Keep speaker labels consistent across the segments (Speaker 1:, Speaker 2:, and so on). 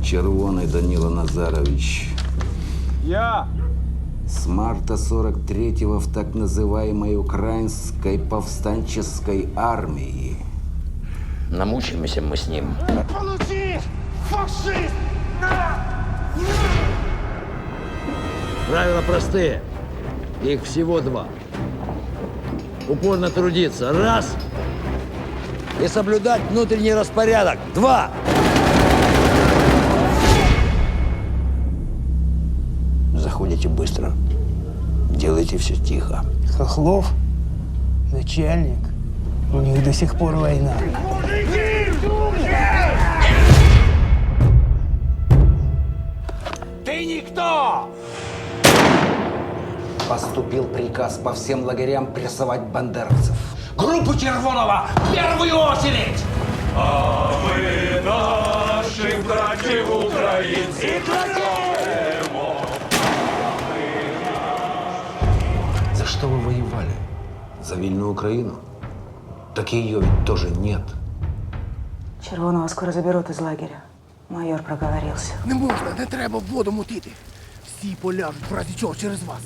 Speaker 1: Червоный Данила Назарович.
Speaker 2: Я!
Speaker 1: С марта 43-го в так называемой Украинской повстанческой армии.
Speaker 3: Намучимся мы с ним.
Speaker 2: Получи! Фашист!
Speaker 4: Правила простые. Их всего два. Упорно трудиться. Раз. И соблюдать внутренний распорядок. Два.
Speaker 3: Заходите быстро. Делайте все тихо.
Speaker 5: Хохлов, начальник, у них до сих пор война.
Speaker 2: Ты никто!
Speaker 1: Поступил приказ по всем лагерям прессовать бандеровцев.
Speaker 2: Группу Червонова в первую очередь!
Speaker 6: А ми наших братів українців знаємо.
Speaker 1: За что вы воевали? За вильную Украину? Так ее ведь тоже нет.
Speaker 7: Червоного скоро заберут из лагеря. Майор проговорился.
Speaker 8: Не можна, не треба в воду мутити. Всі поляжуть, в разі чого через вас.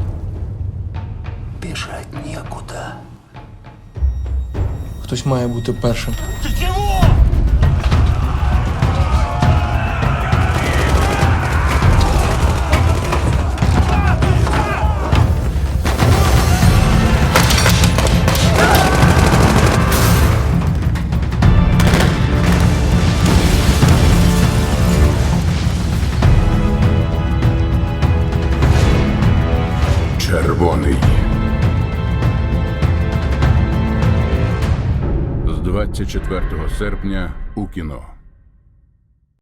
Speaker 3: Бежать некуда.
Speaker 9: Хтось має бути першим.
Speaker 2: Ты чего?
Speaker 6: Червоний. З 24 серпня у кіно.